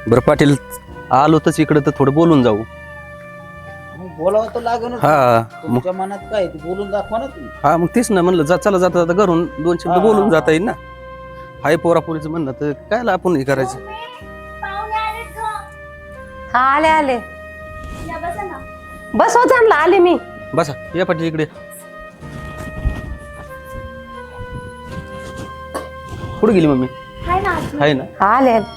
बरं पाटील, आलो तर इकडे तर थोडं बोलून जाऊ. बोलावं तर लागेल. हा तुमच्या मनात काय ते बोलून दाखवा ना तुम्ही. हा मग तेच ना म्हणलं, चला जाता जाता घरून 2 शब्द हा, बोलून हा, जाता येईल ना. हाय पोरापोरीचं म्हणणं तर काय आपण हे करायचं. हा आले आले. या बसा ना. बस होत आणला आले मी. बसा या पाटील इकडे. कुठे गेली मम्मी? हाय ना आजी. आहे ना. हा आले आले.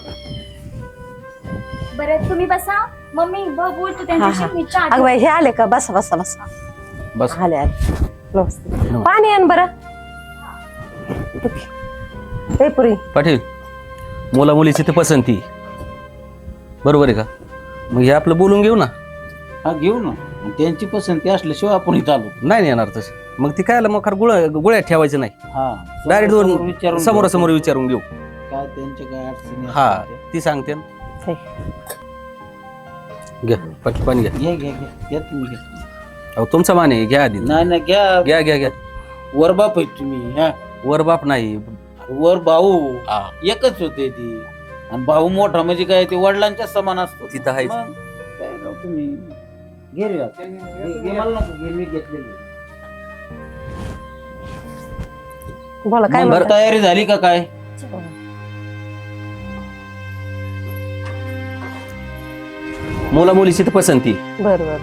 बरं तुम्ही बसा. मम्मी बोलतो त्यांच्याशी. मी चहा अगं बाई हे आले का? बसा बसा बसा. बस आले आले. नमस्ते. पाणी आण बरं. हे पुरी. पाटील, मुला मुलीची ते पसंती बरोबर आहे का? मग हे आपलं बोलून घेऊ ना. हा घेऊ ना. आणि त्यांची पसंती असल्याशिवाय आपण इथं आलो. नाही येणार तसं. मग ती काय मग गोळ्यात ठेवायचं नाही. हा डायरेक्ट विचारून समोरासमोर विचारून घेऊ. काय त्यांच्या काय अडचणी हा असतील ती सांगते ना. हे. घ्या पाटील पाणी घ्या. घ्या घ्या घ्या घ्या तुम्ही घ्या. अहो तुमचा मान आहे, घ्या आधी. नाही नाही घ्या. घ्या घ्या घ्या. वर बाप आहे तुम्ही. हा वर बाप नाही. वर भाऊ हा. एकच होते ती. आणि भाऊ मोठा म्हणजे काय ते वडिलांच्या समान असतो. तिथं आहेच. मग काय राव तुम्ही घे रे आता. घे मला नको, घे मी घेतलेली. बोला काय मग म्हणता? तयारी झाली का काय? मुला मुलीची तर पसंती. बर बर.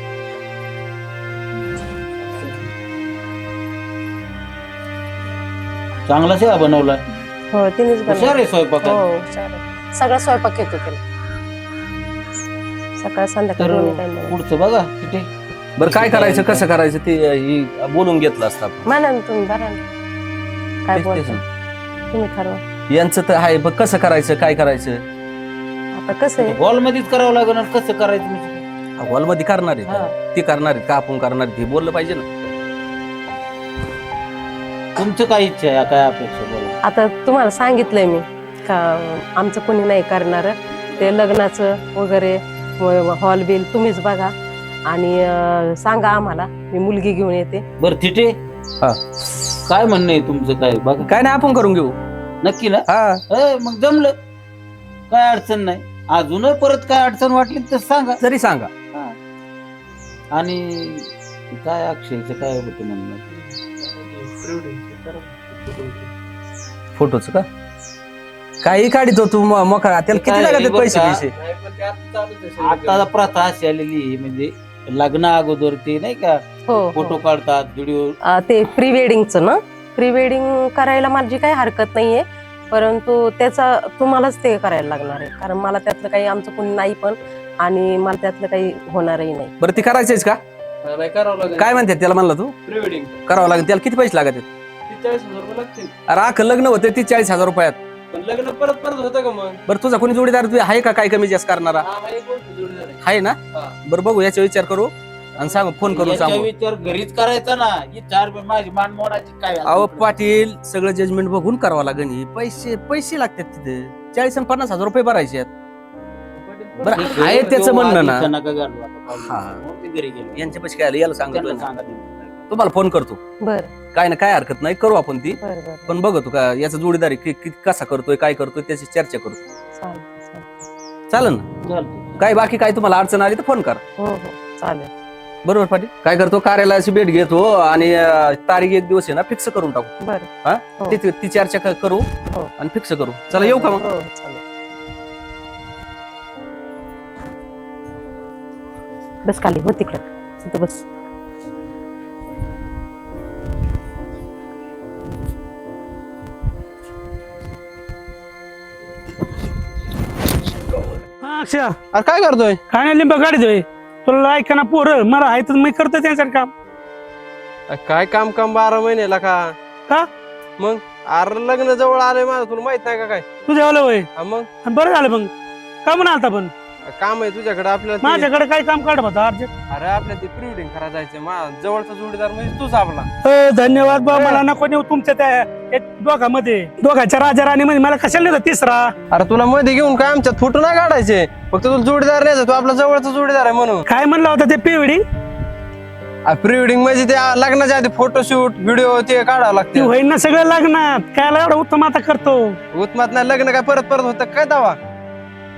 चांगला सेवा बनवला. हो तिनेच हुशार बनवलं. आहे स्वयंपाक. हो हुशार आहे. सगळा स्वयंपाक येतो त्याला. सकाळ संध्याकाळ तर दोन्ही टाइम बनवतो. पुढचं बघा तिथे. बरं काय करायचं कसं करायचं ते ही बोलून घेतलं असतं आपण. म्हणा ना तुम्ही बरा ना. काय तेच- तेच बोलता ना. तुम्ही ठरवा. यांचं तर आहे बघ कसं करायचं काय करायचं. आता कसं आहे हॉल मध्येच करावं लागेल. कसं करायचं म्हणजे? हॉलमध्ये करणार हा. आहेत ते करणार आहेत का आपण करणार आहेत हे बोललं पाहिजे ना. तुमचं काय इच्छा आहे काय अपेक्षा बोला. आता तुम्हाला सांगितलंय मी का आमचं कोणी नाही करणार. ते लग्नाचं वगैरे हॉल बिल तुम्हीच बघा आणि सांगा आम्हाला. मी मुलगी घेऊन येते. बरं तिथे हा. काय म्हणणं आहे तुमचं काय बघा. काय नाही आपण करून घेऊ. नक्की ना? हा मग जमलं. काय अडचण नाही. अजून परत काय अडचण वाटली तर सांगा. जरी सांगा. हा. आणि काय अक्षयचं काय होतं म्हणणं? फोटोच का काही काढतो तू मोकळा त्याला किती काय लागत बरं पैसे का? पैसे. आता प्रथा अशी आलेली आहे, म्हणजे लग्ना अगोदर ते नाही का हो फोटो काढतात व्हिडिओ. ते प्री वेडिंगचं ना. प्री वेडिंग करायला माझी काही हरकत नाहीये. परंतु त्याचा तुम्हालाच ते करायला लागणार आहे. कारण मला त्यातलं काही आमचं कोणी नाही पण आणि मला त्यातलं काही होणारही नाही. बरं ती करायचंच का? काय म्हणतात त्याला म्हणला तू? प्री वेडिंग करावं लागेल. त्याला किती पैसे लागत आहेत? 40,000 रुपये लागतील. अरे अख्खं लग्न होते 40,000 रुपयात. पण लग्न परत परत होतं का मग? बरं तुझा कोणी जोडीदार तुझ्या आहे का काय कमी जास्त करणारा? हा, एक गोष्ट जोडीदार आहे. आहे ना. हा. बरं बघू याचा विचार करू आणि सांग फोन करून याच्या सांगू. विचार घरीच करायचा ना. ही 4 माझी मान मोडायची काय? अहो पाटील सगळं जजमेंट बघून करावं लागेल. ही पैसे लागतात तिथे 40 आणि 50,000 रुपये भरायचे आहेत. बरं हे आहे त्याचं म्हणणं ना. नका घालू आता. हा. मग मी घरी गेलो. यांच्या पैसे काय आले याला सांगतो त्यांना ना. सांगा तुम्ही. तुम्हाला फोन करतो. बर काय ना काय हरकत नाही करू आपण ती. बर बर. पण बघतो का याचा जोडीदार आहे, कसा करतोय काय करतोय त्याची चर्चा करू. चालेल चालेल ना. चालतंय. काय बाकी काय तुम्हाला अडचण आली तर फोन करा. हो हो चालेल. बरोबर पाटील. काय करतो कार्यालयाची भेट घेतो आणि तारीख एक दिवस आहे ना फिक्स करून टाकू. बर हा हो. ती चर्चा करू हो. आणि फिक्स करू. चला येऊ का मग? हो चालेल. बस खाली हो तिकडं. तिथं बस. हा, अक्षय अरे काय करतोय? काय नाही लिंब काढतोय. तुला ऐका ना पोरं मला आहे तर मी करतो त्यांच्याकडे काम. काय काम 12 महिन्याला का? का? मग अरे लग्न जवळ आलंय माझं, तुला माहित नाही का काय? तुझ्या वाला वय हा मग बरं झालं मग. का म्हणून आलता पण काम आहे तुझ्याकडे आपल्याला ते- माझ्याकडे काय काम काढ होता अर्जंट. अरे आपल्या ते प्री वेडिंग करायला जायचंय. जवळचा जोडीदार म्हणजे तूच आपला. धन्यवाद बा. मला नको नेऊ तुमच्या त्या दोघांमध्ये. दोघांच्या राजा राणी मध्ये मला कशाला नेलं तिसरा. अरे तुला मध्ये घेऊन काय आमच्यात फोटो नाही काढायचे. फक्त तुला जोडीदार नाही, तू आपला जवळचा जोडीदार आहे म्हणून. काय म्हणलं होतं ते पिवडी प्री वेडिंग म्हणजे ते लग्नाच्या आधी फोटोशूट व्हिडिओ ते काढावं ती लागते. होईन ना सगळं लग्नात. काय एवढं उत्तम आता करतो. उत्मात नाही लग्न काय परत परत होतं काय दावा?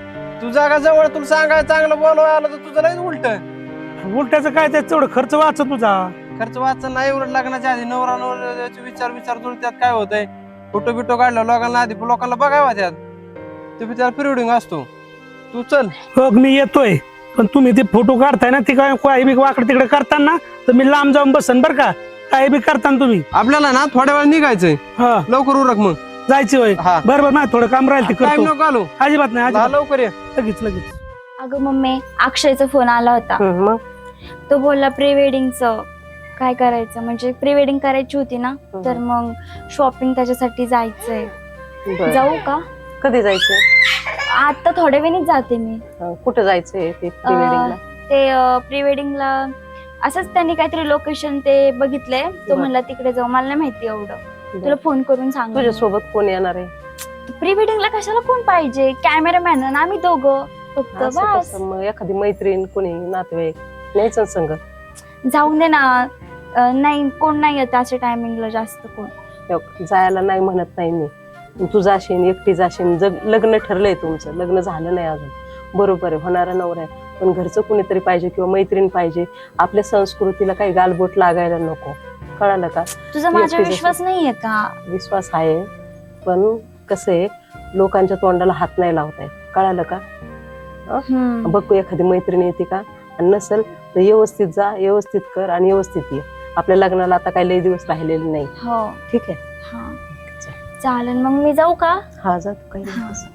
तू जागा जवळ तुला सांगायला चांगलं बोलवायला आलं तर तुझं लय उलट उलट्याचं काय त्याच तेवढं खर्च वाचत तुझा. खर्च वाचन नाही. उलट लग्नाच्या आधी नवऱ्याचे विचार जुळत्यात. काय होतंय फोटो बिटो काढला लोकांना आधी लोकांना बघावा त्यात. तुम्ही त्याला प्रिवेडिंग असतो. तू चल. हो मी येतोय पण तुम्ही ते फोटो काढताय ना ते काय काही बी वाकडे तिकडे करताना तर मी लांब जाऊन बसन बर का. काही बी करताना तुम्ही. आपल्याला ना थोड्या वेळ निघायचंय. हा लवकर उरक मग. जायची होय. हा. बरोबर नाही थोडं काम राहील ते टाइम करतो. नको घालू. अजिबात नाही हा, अजिबात. लवकर ये. लगेच. अगं मम्मी अक्षयचा फोन आला होता. मग तो बोलला प्री वेडिंगचं काय करायचं म्हणजे प्री वेडिंग करायची होती ना तर मग शॉपिंग त्याच्यासाठी जायचंय. बरं. जाऊ का? कधी जायचंय? आता थोड्या वेळीच जाते मी. कुठं जायचंय ते प्री वेडिंगला? ते प्री वेडिंगला असंच त्यांनी काहीतरी लोकेशन ते बघितलंय. तो बरं. म्हणला तिकडे जाऊ. मला नाही माहिती एवढं. तुला फोन करून सांग. तुझ्या सोबत कोण येणार आहे? प्री वेडिंगला कशाला कोण पाहिजे? कॅमेरामॅन आणि आम्ही दोघं फक्त असं बस. कसं मग एखादी मैत्रीण कोणी नातेवाईक न्यायचं संग. जाऊन दे ना. नाही कोण नाही येत अशा टायमिंगला जास्त कोण. जायला नाही म्हणत नाही मी. तू जाशील एकटी जाशील. लग्न ठरलंय तुमचं. लग्न झालं नाही अजून. बरोबर आहे होणारा नवरा आहे पण घरचं कुणीतरी पाहिजे किंवा मैत्रीण पाहिजे. आपल्या संस्कृतीला काही गालबोट लागायला नको. कळालं का? तुझा माझ्यावर विश्वास नाहीये का? विश्वास आहे पण कसं आहे लोकांच्या तोंडाला हात नाही लावताय. कळालं का? बघ एखादी मैत्रीण येते का आणि नसेल तर व्यवस्थित जा व्यवस्थित कर आणि व्यवस्थित ये. आपल्या लग्नाला आता काही लई दिवस राहिलेले नाही. हो ठीक आहे. हा चालेल मग मी जाऊ का? हा जा तू काही नाही.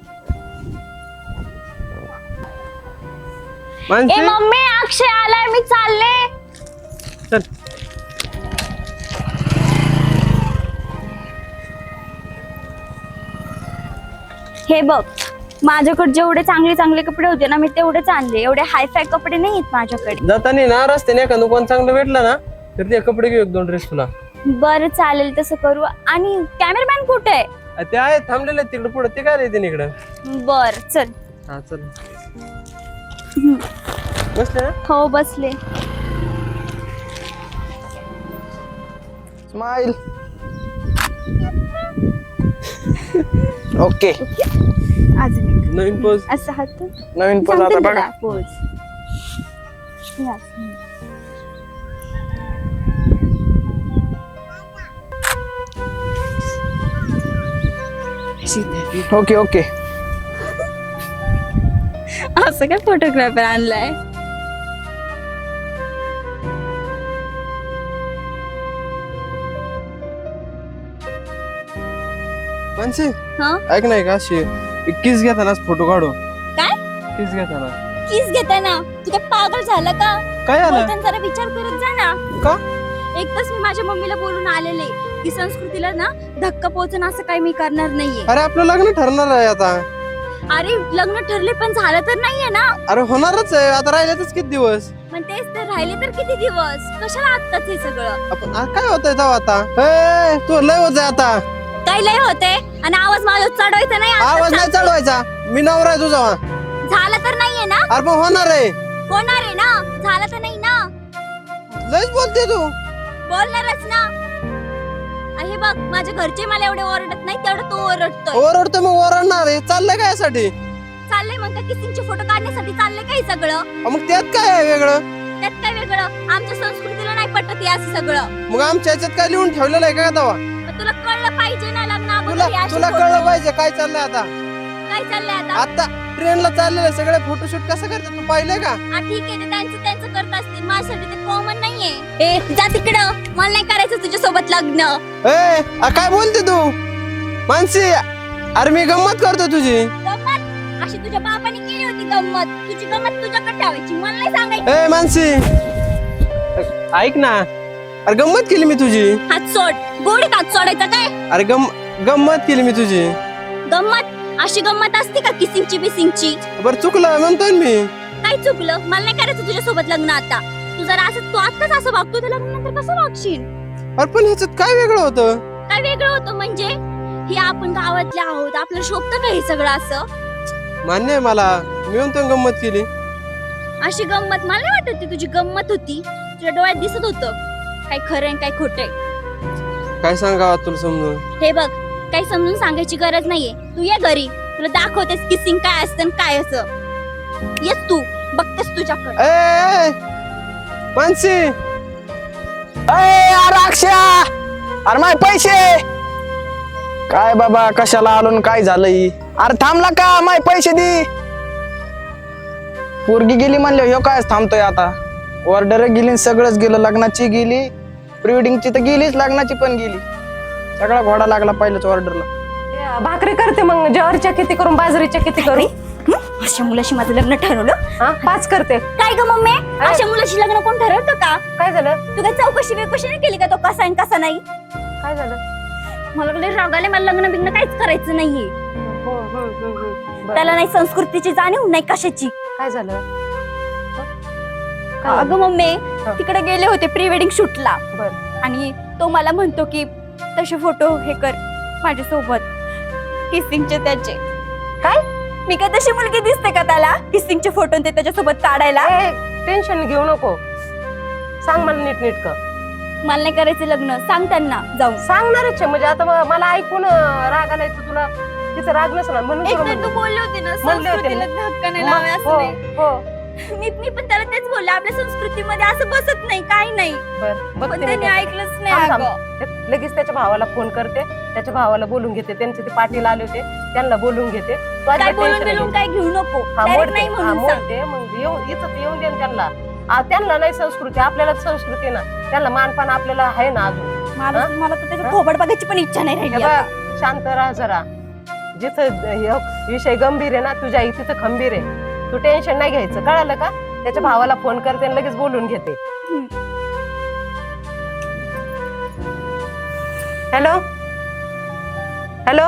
ए मानसी मम्मी अक्षय आलाय मी चालले. चल. हे बघ माझ्याकडे जेवढे चांगले चांगले कपडे होते ना मी तेवढेच आणले. एवढे हायफाय कपडे नाही आहेत माझ्याकडे. जाताना ना रस्त्याने एखादं कोण चांगलं भेटलं ना तर ते कपडे घेऊ 1-2 ड्रेस तुला. बरं चालेल तसं करू. आणि कॅमेरामॅन कुठे आहे? ते आहे थांबलेले तिकडे पुढे. ते काय येते इकडं. बर चल. हा चल. बसले ना. हो बसले. स्माइल. ओके. अजून एक नवीन पोज. असं हात नवीन पोज आता बघा. पोज. Okay okay. असं काय फोटोग्राफर आणलाय? मानसी हा ऐक नाही का अशी किस घेताना फोटो काढू. काय किस घेताना. किस घेताय ना? तू काय पागल झालं का? काय आलं. बोलताना जरा विचार करत जा ना. का? एकदाच मी माझ्या मम्मीला बोलून आलेले की संस्कृतीला ना धक्का पोहोचणं असं काही मी करणार नाहीये. अरे आपलं लग्न ठरणार आहे आता. अरे लग्न ठरले पण झालं तर नाहीये ना. अरे होणारच आहे आता. राहिल्यातच किती दिवस. पण तेच तर राहिले तर किती दिवस. कशाला आत्ताच हे सगळं? आपण काय होतंय जाऊ आता. ए, तू लय होत आता. काय लय होते आणि आवाज माझा चढवायचा नाही. आत्ताच आवाज नाही सांगते. चढवायचा. मी नवरा आहे तुझा. झालं तर नाहीये ना. अरे पण होणार आहे. होणार आहे ना. झालं तर नाही ना. लयच बोलते तू. बोलणारच ना. हे बघ माझ्या घरचे मला एवढे ओरडत नाही तेवढं तो ओरडतोय. ओरडतो मग ओरडणार आहे. चाललंय काय यासाठी. चाललंय मग का किसिंगचे फोटो काढण्यासाठी चाललंय काही सगळं. मग त्यात काय आहे वेगळं. त्यात काय वेगळं? आमच्या संस्कृतीला नाही पटत हे असं सगळं. मग आमच्या याच्यात काय लिहून ठेवलेलं आहे का तेव्हा. पण तुला कळलं पाहिजे ना लग्न तुला अगोदर हे असे तुला photo. कळलं पाहिजे काय चाललंय आता. काय चाललंय आता? आता ट्रेनला चाललेले सगळे फोटोशूट कसं करतात तू पाहिलंय का. हा ठीक आहे ते त्यांचं त्यांचं करत असतील. माझ्यासाठी ते कॉमन नाहीये. ए जा तिकडं. मला नाही करायचं तुझ्या सोबत लग्न. ए काय बोलते तू मानसी. अरे मी गंमत करतो तुझी. गंमत अशी तुझ्या बापाने केली होती गंमत. तुझी गंमत तुझ्याकडे ठेवायची मला नाही सांगायचं. ए मानसी ऐक ना. अरे गंमत केली मी तुझी. हात सोड. गोडीत हात सोडायचा काय? अरे गंमत केली मी तुझी. गंमत अशी गंमत असते का किसिंगची बिसिंगची? बरं चुकलं म्हणतोय मी. काय चुकलं? मला नाही करायचं तुझ्या सोबत लग्न आता. तू जरा असं तू आत्ताच असं वागतो तर लग्नानंतर कसं वागशील? अरे पण ह्याच्यात काय वेगळं होतं. काय वेगळं होतं म्हणजे? हे आपण गावातले आहोत आपल्याला शोभतं का हे सगळं असं? मान्य आहे मला. मी म्हणतो गंमत केली. अशी गंमत मला नाही वाटत ती तुझी गंमत होती. तुझ्या डोळ्यात दिसत होतं काय खरं आहे काय खोटं आहे. काय सांगावं तुला समजून. हे बघ काही समजून सांगायची गरज नाहीये. तू ये घरी तुला दाखवतेस किसिंग काय असतं आणि काय असं. येस तू बघतेस तुझ्याकडे. ए मानसी, अरे अक्षया, अरे माझे पैसे काय बाबा, कशाला आलो न काय झालंय? अरे थांबला का? माझे पैसे दे. पोरगी गेली म्हणले ह्यो काय थांबतोय आता? ऑर्डर गेली, सगळंच गेलं, लग्नाची गेली, प्री वेडिंगची तर गेलीच, लग्नाची पण गेली. सगळा घोडा लागला पहिल्याच ऑर्डरला. भाकरी करते मग, ज्वारीच्या किती करून बाजरीच्या किती करू? अशा मुलाशी माझं लग्न ठरवलं? हा 5 करते. काय ग मम्मी, अशा मुलाशी लग्न कोण ठरवतं का? काय झालं? तू काय चौकशी बिकशी नाही केली का तो कसा आहे कसा नाही? काय झालं? मला लय राग आले, मला लग्न बिग्न काहीच करायचं नाहीये. बरं. त्याला नाही संस्कृतीची जाणीव नाही कशाची. काय झालं? काय झालं? अगं मम्मी तिकडे गेले होते प्री वेडिंग शूटला बरं. आणि तो मला म्हणतो की तसे फोटो हे कर माझ्यासोबत किसिंगचे त्याचे. काय मी काय तशी मुलगी दिसते का त्याला किसिंगचे फोटो ते त्याच्यासोबत काढायला? टेन्शन घेऊ नको, सांग मला नीट कर. मला नाही करायचं लग्न, सांग त्यांना जाऊन. सांगणारच आहे म्हणजे आता मला ऐकून राग आलाय तर तुला तिचं राग नसणार म्हणून एक तुला तर तू म्हणलं. बोलले होते ना म्हणले होते संस्कृतीला ना. धक्का नाही लावाय असं हो, नाही. हो. मी पण त्याला तेच बोलले, आपल्या संस्कृतीमध्ये असं बसत नाही काही नाही. बरं, पण बघते मी त्यांनी काय. ऐकलंच नाही थांब, अगं. लगेच त्याच्या भावाला फोन करते, त्याच्या भावाला बोलून घेते, त्यांचे ते पाटील आले होते त्यांना बोलून घेते. तू काय अजिबात बोलून tension बिलून घेऊ काय घेऊ नको. हा, Direct मोडते. नाही हा, म्हणून सांग. मोडते. मग येऊन दे ना त्यांना. त्यांना नाही संस्कृती, आपल्याला संस्कृती ना, त्यांना मानपान आपल्याला आहे ना अजून. मला तर त्याचं थोबड बघायची पण इच्छा नाही हे राहिली बघ, आता. शांत राहा जरा. जिथं विषय गंभीर आहे ना, तुझ्या आई तिथं खंबीर आहे. तू टेन्शन नाही घ्यायचं, कळालं का? त्याच्या भावाला फोन करते आणि लगेच बोलून घेते. Hello hello,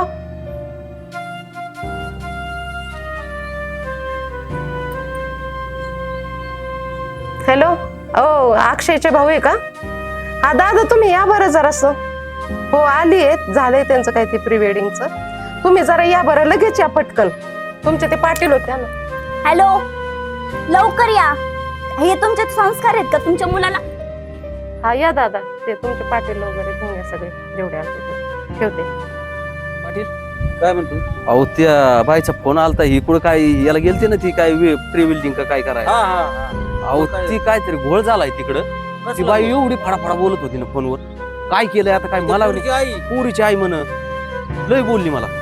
hello. ओ अक्षयचे भाऊ आहे का? हा दादा तुम्ही या बरं जरासं. हो आली आहेत, झालंय त्यांचं काय ते प्री वेडिंगचं. तुम्ही जरा या बरं, लगेच या पटकन. तुमचे ते पाटील होते ना. हॅलो लवकर या. हे तुमचे संस्कार आहेत का तुमच्या मुलाला? हा या दादा, ते तुमचे पाटील वगैरे घेऊन या सगळे जेवढे असते ते. ठेवते. पाटील काय म्हणतो? अहो त्या बाईचा फोन आलता, ही कुठं काय याला गेलते ना ती काय प्री वेल्डिंग का काय करायला. हा हा हा. अहो ती काहीतरी घोळ झालाय तिकडं. ती बाई एवढी फडाफडा बोलत होती ना फोनवर. काय केलंय आता काय मला पोरीची आई पुरीची आई म्हण लय बोलली मला.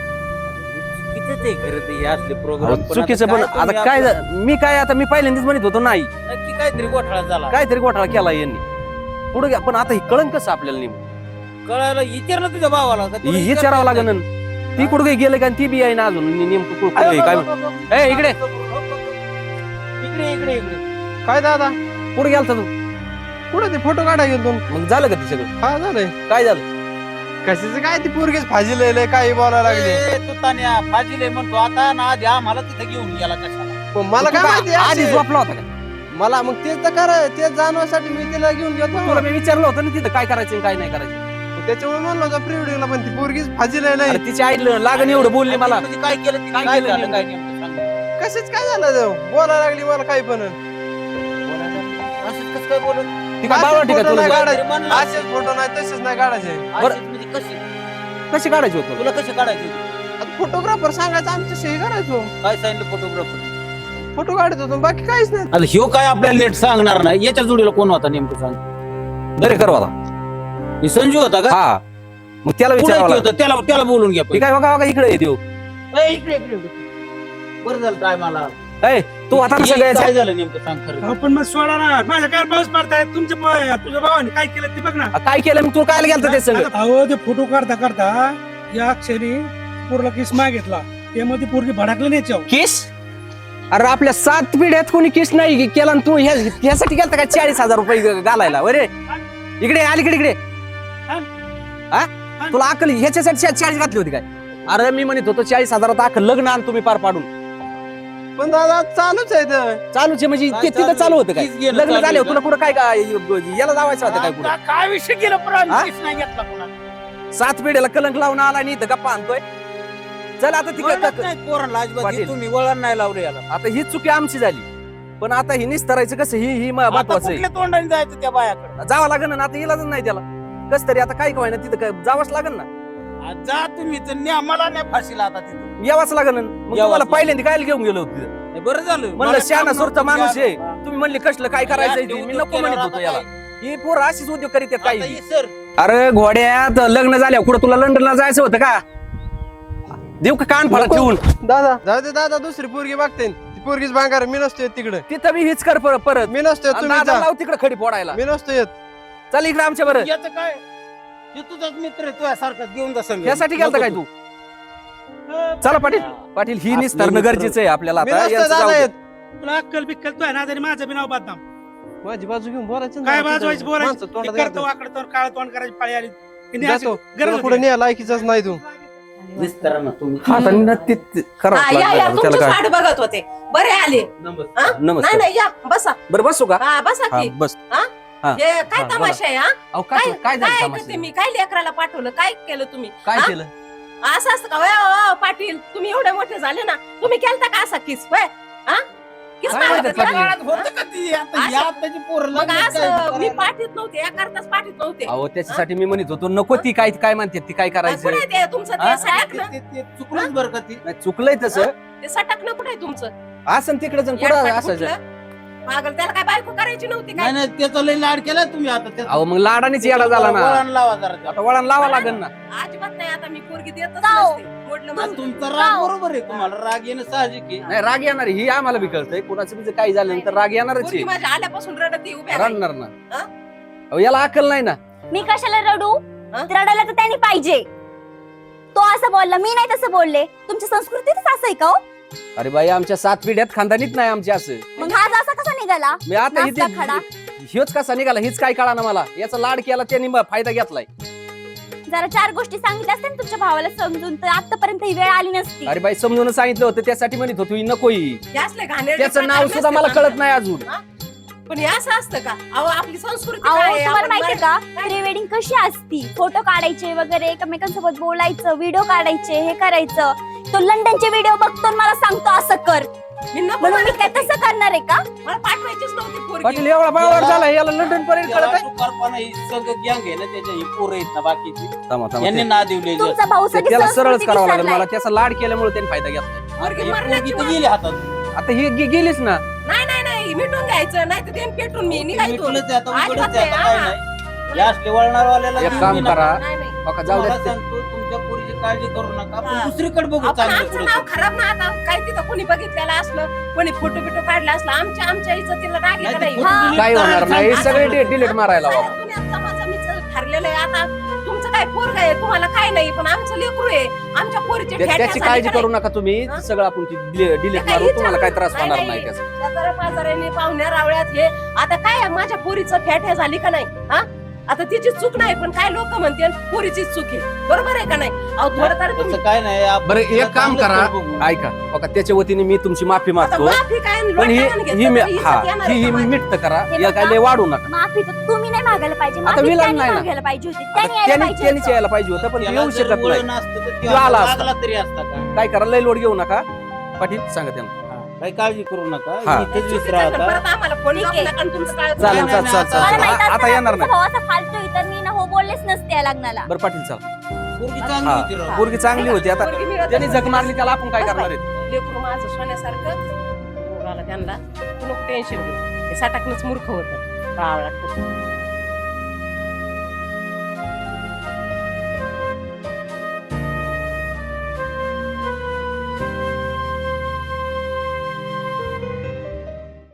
किती ते खरं ते हे असले अहो, प्रोग्राम चुकीचं पण आता काय मी काय आता मी पहिल्यांदाच म्हणत होतो नाही नक्की काहीतरी गोठाळा झाला. काहीतरी घोटाळा केला यांनी पुढे घ्या. पण आता ही कळण कसं आपल्याला नेमकं कळायला विचार ना तुझ्या भावाला का तुला विचारावं लागेल. ती कुठं काही गेलं का ती बी आहे ना अजून नेमकं कुठं आहे, काय म्हण- ए, इकडे. इकडे इकडे इकडे काय दादा कुठं गेलता तू? कुठं ते फोटो काढाय गेलो मग झालं का ती सगळं? हा झालंय. काय झालं? कशाचं काय ती पोरगीच फाजी लय काही बोलायला लागले. ए, तू तान्या फाजीले म्हणतो आता ना आधी आम्हाला तिथे घेऊन गेला कशाला? मग मला काय माहिती आधी अशी- झोपला होता का? मला मग तेच तर करा तेच जाणवासाठी मी तिला घेऊन गेलो. तुला मी विचारलं होतं ना तिथं काय करायचं आणि काय नाही करायचं. त्याच्यामुळे म्हणलं होतं प्री वेडिंगला पण ती पोरगीच फाजी लय अरे तिची आई लागण एवढं बोलली मला. म्हणजे काय केलं ते? काय काय केलं झालं नेमकं? काय नेमकं सांग. कशाच काय झालं जाऊ बोलायला लागली मला काही पण. असंच कसं काय बोलत? ती काय बावळट आहे का तुला? काढायचे? म्हणलं असेच फोटो नाही तसेच नाही काढायचे. अशीच म्हणजे कशी कशी काढायची होतं? तुला कशी काढायची? आता फोटोग्राफर सांगायचं आमच्या सही करायचो. काय सांगितलं फोटोग्राफर? फोटो काढत होतो बाकी काहीच नाही. आता ह्यो काय आपल्याला लेट सांगणार नाही. याच्या जोडीला कोण होता नेमकं सांग. बरे कर आता. हे संजू होता का? हा मग त्याला कुठे विचारावं लागलं. होतं? त्याला त्याला बोलून घ्या ती पहिले. काय बघा बघा इकडे येते हो. ए, इकडे इकडे इकडे. बरं झालं काय मला ए, तू आता कसं काय गायचं? झालं नेमकं सांग खरं. आपण मग सोडा ना, माझ्या काय पाऊस पडताय तुझ्या भावाने काय केलं ते बघ ना. काय केलं मग तू काय गेलता ते सगळं? अहो ते फोटो काढता काढता या अक्षरी पूर्ण किस मागितला, त्यामध्ये पोरगी भडकली नाही याच्यावर. केस? अरे आपल्या 7 पिढ्यात कोणी केस नाही केला आणि तू ह्यासाठी गेलता का 40,000 रुपये घालायला? अरे इकडे अलीकडे इकडे. हा तुला अक्कल ह्याच्यासाठी 40 घातली होती काय? अरे मी म्हणत होतो 40,000 अख्खं लग्न आण तुम्ही पार पाडून. पण दादा चालूच आहे ते. चालूच आहे म्हणजे काय ते तिथं चालू चालू होतं काय? तीच गेलं लग्न चालू झाले होतं. तुला कुठं काय याला लावायचं होतं काय कुठं? काय विषय केलं हा? नाही घेतला कोणा. 7 पिढ्याला कलंक लावून आला आणि इथं गप्पा आणतोय. चल आता ती पोरांना अजिबात पाटील. तुम्ही वळण नाही लावले याला. आता ही चुकी आमची झाली. पण आता ही निस्तरायचं कसं ही आता महत्वाचं आहे. कुठल्या तोंडाने जायचं त्या बायाकडे? जावं लागेल ना आता इलाजच नाही त्याला. कस तरी आता काय काय ना तिथं काय जावंच लागेल ना. जा तुम्ही तर न्या मला नाही फाशीला आता तिथे. यावंच लागेल ना. मग यावंच तुम्हाला लागेल. पहिल्यांदा काय घेऊन गेलो होतो तिथं? बरं झालं म्हणलं शहाणा सुरता माणूस आहे तुम्ही म्हणले कसलं काय करायचंय ते. मी नको म्हणत होतो याला ही पोरं अशीच उद्योग करीत आहेत काही सर अरे घोड्यात लग्न झाल्यावर कुठं तुला लंडनला जायचं होतं का देऊ का कान फळा ठेवून दादा जाऊ दे दादा, दुसरी पोरगी बघते ती पोरगीच भांगार. मी नसतोय तिकडे, तिथं मी हीच कर परत मी नसतोय. तुम्ही जा, लाव तिकडे खडी फोडायला मी नसतोय येत. चल इकडे आमच्या बरं याचं काय ते तुझाच मित्र आहे तुझ्यासारखा घेऊन जा संग. यासाठी गेलता काय तू चला पाटील पाटील ही निस्तरणं गरजेचं आहे आपल्याला मी आता नसतोय यांचं जाऊ दादा दे. येत. तुला अक्कल बिक्कल तू आहे ना तरी माझं बी नाव बदनाम. माझी बाजू घेऊन बोलायचं ना. काय बाजवायचं माणसं बोलायचं तोंडात हे करतो घालतात. वाकडं तोंड काळं तोंड करायची पाळी आली की नाही अशी जातो गरज तुला पुढे होती. न्याय लायकीचाच नाही तू. विस्तारा ना तुम्ही. आता नक्की करावंच हा, या लागलं. तुमची त्याला काय वाट बघत होते बरे आले नमस्कार. हा? नाही नमस्कार नाही या बसा बरं बसू का हा बसा हा की बस हा, हे काय हा, तमाशा आहे हा अहो काय काय काय काय झालं ऐकते तमाशा? मी काय लेकराला पाठवलं काय केलं तुम्ही काय हा? केलं असं असतं का वय, पाटील तुम्ही एवढे मोठे झाले ना तुम्ही केलता का असा किस वय हा किस काय मारत म्हणतात होते पाटील? का? काळात होतं का ती? आता असं- या आताची पोरं मग लग्नात असं काय मी करायला? पाठीत नव्हते या करताच पाठीत नव्हते अहो त्याच्यासाठी मी म्हणत होतो नको ती काय काय म्हणते ती काय करायचं कुठे आहे ते तुमचं हा? ते सटकणं ते चुकलंच बरं का ती. नाही, चुकलंय तसं ते सटकणं कुठे आहे तुमचं असं तिकडे जण येडपाट कुठं असायचं कुठलं? पागल त्याला काय बायको करायची नव्हती नाही काय नाही त्याचा लय लाड केला तुम्ही आता त्याचा. अहो मग लाडानेच येडा झाला ना वळण लावा जरा त्याला. आता वळण लावा लागेल ना अजिबात नाही आता मी पोरगी देतच जाऊ. नसते. मोडलं आता माझं. तुमचा राग बरोबर आहे तुम्हाला राग येणं साहजिक आहे. नाही राग येणार आहे, ही आम्हाला बी कळतंय कुणाचं बी जर काही झालं तर राग येणारच पोरगी आहे माझ्या आल्यापासून रडत उभ्या राहिली. रडणार ना हा? अहो याला अक्कल नाही ना मी कशाला रडू हा? रडायला तर त्यांनी पाहिजे. तो असं बोलला, मी नाही तसं बोलले. तुमची संस्कृतीच असं आहे का हो? अरे बाई आमच्या 7 पिढ्यात खानदानीत नाही आमच्या असं मग हा असा कसा निघाला? मी आता नाचता खडा. ह्योच कसा निघाला हीच काय कळा ना मला याचा लाड केला त्यांनी फायदा घेतलाय जरा 4 गोष्टी सांगितल्या असत्या ना तुमच्या भावाला समजून तर आतापर्यंत ही वेळ आली नसती. अरे बाई समजून सांगितलं होतं त्यासाठी म्हणत होतो ही नको ही हे असले घाणेरडे त्याचं नाव प्रकार सुद्धा मला नसते कळत नाही अजून हा? पण हे असं असतं का अहो आपली संस्कृती अहो काय आहे? तुम्हाला आपण माहितीये का प्री वेडिंग कशी असती? फोटो काढायचे वगैरे एकमेकांसोबत बोलायचं व्हिडिओ काढायचे हे करायचं. तो लंडनचे व्हिडिओ बघतो आणि मला सांगतो असं कर मी नको म्हणून मी म्हणत काय होते. तसं करणार आहे का? मला पाठवायचीच नव्हती पोरगी. पाटील एवढा बावड झाला याला लंडन पर्यंत त्याला कळत सुकारपणा ही सगळं गँग आहे ना त्याच्या ही पोरं आहेत ना बाकीची आहे यांनी ना दिवले तुमचा भाऊ सगळी त्याला सरळच संस्कृती करावं लागेल विसरलाय. मला त्याचा लाड केल्यामुळे त्यांनी फायदा घेतला पोरगी मरण्याची पोरगी तर वेळ. गेली हातात आता ही गेलीच ना नाही नाही नाही मिटून घ्यायचं नाही तर ते पेटून मी निघायचो मिटलंच आहे आता, अजिबात उघडच आहे आता, नाही, काय हा. नाही. या असले वळणारवाल्याला एक घेऊन काम ये नका. करा नाही नाही बघा जाऊ तुम्हाला द्या सांगतो तुमच्या पोरीची काळजी करू नका आपण हा. दुसरीकडे बघू आपण चांगलं आमचं पुढे. नाव खराब ना आता काय तिथं कोणी बघितलेलं असलं कोणी फोटो बिटो काढला असला आमच्या इज्जतीला राग येत नाही, ते नाही फोटो हा. delete काय होणार करायला नाही सांगा. सगळे डिलीट मारायला साऱ्या हवा दुनियात समाजामीचं ठरलेलं आहे आता तुमचं काय पोरग आहे तुम्हाला काय नाही पण आमचं लेकरू आहे आमच्या पोरीचे त्याची काळजी करू नका तुम्ही हा? सगळं आपण डिलीट ते काही मारू तुम्हाला काय त्रास नाही, होणार नाही. नाही त्याचा पाजाराने पाहुण्या रावळ्यात हे आता काय आहे, माझ्या पोरीचं ठ्या झाली का नाही हा आता तिची चूक नाही पण काय लोक म्हणते पोरीचीच चूक आहे बरोबर आहे का नाही अहो थोडं तर तसं काय नाही आपण बरं एक काम चांगलं करा बघू. ऐका बघा त्याच्या वतीने मी तुमची माफी आता मागतो माफी काय पण ही लोटांगण घेतलं ही मी तरी इज्जत हा येणार ही आहे ही का माझी? मिट्ट करा हे या बघा. काय लय वाढू नका माफी तर तुम्ही नाही मागायला पाहिजे आता माफी विलन त्यांनी नाही ना. मागायला पाहिजे होती आता त्यांनी यायला त्यांनी पाहिजे त्यांनीच होतं. यायला पाहिजे होतं पण त्याला येऊ जर शकत वळण नाही असतं तर तो तो आला आता असता. लागला तरी असता का काय करा लय लोड घेऊ नका पाटील सांगा त्यांना काही काळजी करू नका हा. इथेच चुकीचं विसरा आहे, आता परत आम्हाला फोन ठीक लावू आहे. नका आणि तुमचं काय चालेल नाही, चाल नाही, चाल आता- चाल मला माहित चाल. असतं आता ना, येणार तुमचा नाही भाऊ असा फालतू तर मी ना हो बोललेच नसते या लग्नाला. बरं पाटील चाल पोरगी चांगली हा. होती राव. पोरगी चांगली होती आता पोरगी मिळत त्यांनी नसेल. झक मारली त्याला आपण काय करणार आहे लेकरू माझं सोन्यासारखं पोराला त्यांना तू नको टेन्शन घेऊ हे साठाकनच मूर्ख होतं रावळा